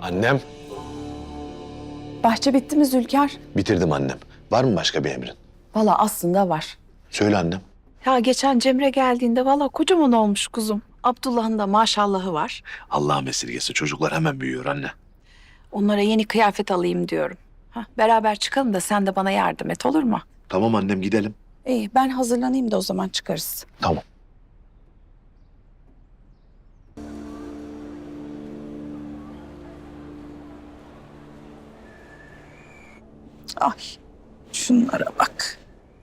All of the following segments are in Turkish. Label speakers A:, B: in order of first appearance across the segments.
A: Annem.
B: Bahçe bitti mi Zülker?
A: Bitirdim annem. Var mı başka bir emrin?
B: Valla aslında var.
A: Söyle annem.
B: Ya geçen Cemre geldiğinde valla kocaman olmuş kuzum. Abdullah'ın da maşallahı var.
A: Allah'ım esirgesi, çocuklar hemen büyüyor anne.
B: Onlara yeni kıyafet alayım diyorum. Beraber çıkalım da sen de bana yardım et, olur mu?
A: Tamam annem, gidelim.
B: İyi, ben hazırlanayım da o zaman çıkarız.
A: Tamam.
B: Ay, şunlara bak.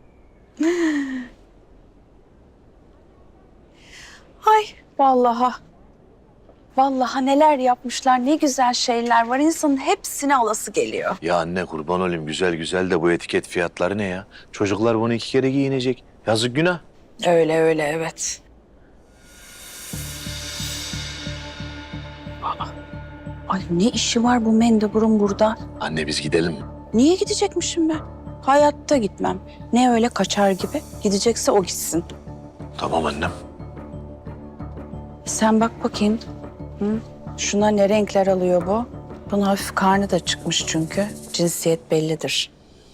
B: Ay, vallahi. Vallahi neler yapmışlar, ne güzel şeyler var. İnsanın hepsini alası geliyor.
A: Ya anne, kurban olayım, güzel güzel de bu etiket fiyatları ne ya? Çocuklar bunu 2 kere giyinecek. Yazık, günah.
B: Öyle öyle, evet. Ay ne işi var bu mendeburun burada?
A: Anne biz gidelim.
B: Niye gidecekmişim ben? Hayatta gitmem. Ne öyle kaçar gibi. Gidecekse o gitsin.
A: Tamam annem.
B: Sen bak bakayım. Hı? Şuna ne renkler alıyor bu? Bunun hafif karnı da çıkmış çünkü. Cinsiyet bellidir.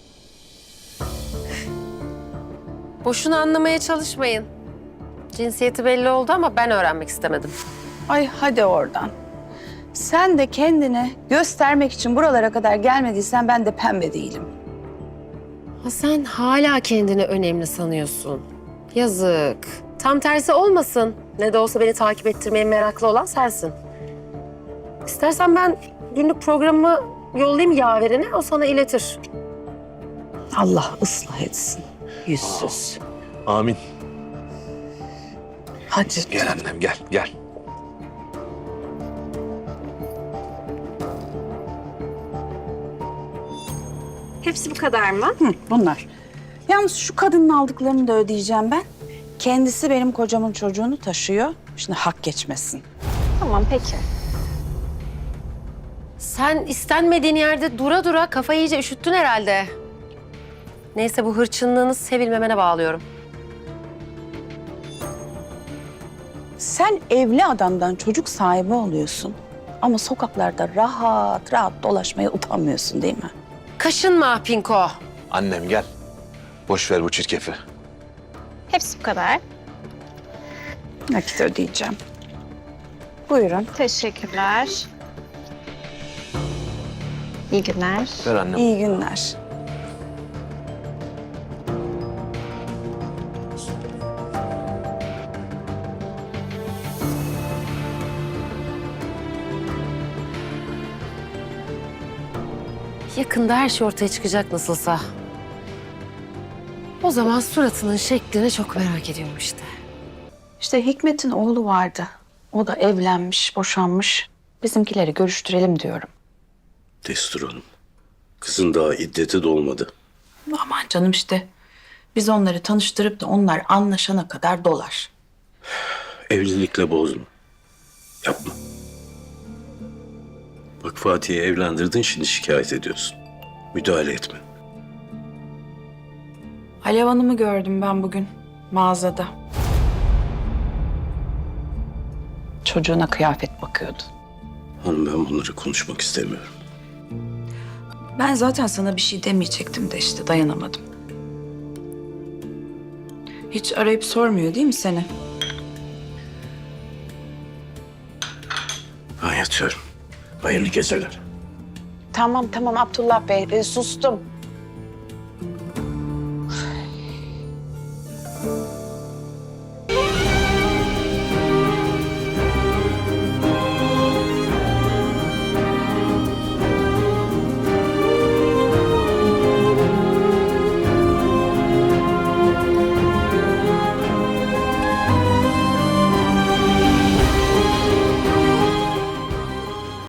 C: Boşuna anlamaya çalışmayın. Cinsiyeti belli oldu ama ben öğrenmek istemedim.
B: Ay hadi oradan. Sen de kendini göstermek için buralara kadar gelmediysen ben de pembe değilim.
C: Ha, sen hala kendini önemli sanıyorsun. Yazık. Tam tersi olmasın. Ne de olsa beni takip ettirmeye meraklı olan sensin. İstersen ben günlük programımı yollayayım yaverine, o sana iletir.
B: Allah ıslah etsin. Yüzsüz.
A: Amin.
B: Hadi.
A: Gel annem, gel, gel.
C: Hepsi bu kadar mı?
B: Hı, bunlar. Yalnız şu kadının aldıklarını da ödeyeceğim ben. Kendisi benim kocamın çocuğunu taşıyor. Şimdi hak geçmesin.
C: Tamam, peki. Sen istenmediğin yerde dura dura kafayı iyice üşüttün herhalde. Neyse, bu hırçınlığını sevilmemene bağlıyorum.
B: Sen evli adamdan çocuk sahibi oluyorsun. Ama sokaklarda rahat rahat dolaşmaya utanmıyorsun değil mi?
C: Kaşınma Pinko.
A: Annem gel. Boş ver bu çirkefi.
D: Hepsi bu kadar.
B: Nakit ödeyeceğim. Buyurun.
D: Teşekkürler. İyi günler.
A: Ver annem.
B: İyi günler.
C: Yakında her şey ortaya çıkacak nasılsa. O zaman suratının şeklini çok merak ediyorum işte.
B: İşte Hikmet'in oğlu vardı. O da evlenmiş, boşanmış. Bizimkileri görüştürelim diyorum.
E: Destur Hanım. Kızın daha iddeti dolmadı.
B: Aman canım işte. Biz onları tanıştırıp da onlar anlaşana kadar dolar.
E: Evlilikle bozma. Yapma. Bak Fatih'i evlendirdin, şimdi şikayet ediyorsun. Müdahale etme.
B: Alev Hanım'ı gördüm ben bugün mağazada. Çocuğuna kıyafet bakıyordu.
E: Hanım, ben bunları konuşmak istemiyorum.
B: Ben zaten sana bir şey demeyecektim de işte dayanamadım. Hiç arayıp sormuyor değil mi seni?
E: Ben yatıyorum. Hayırlı geceler.
B: Tamam Abdullah Bey sustum.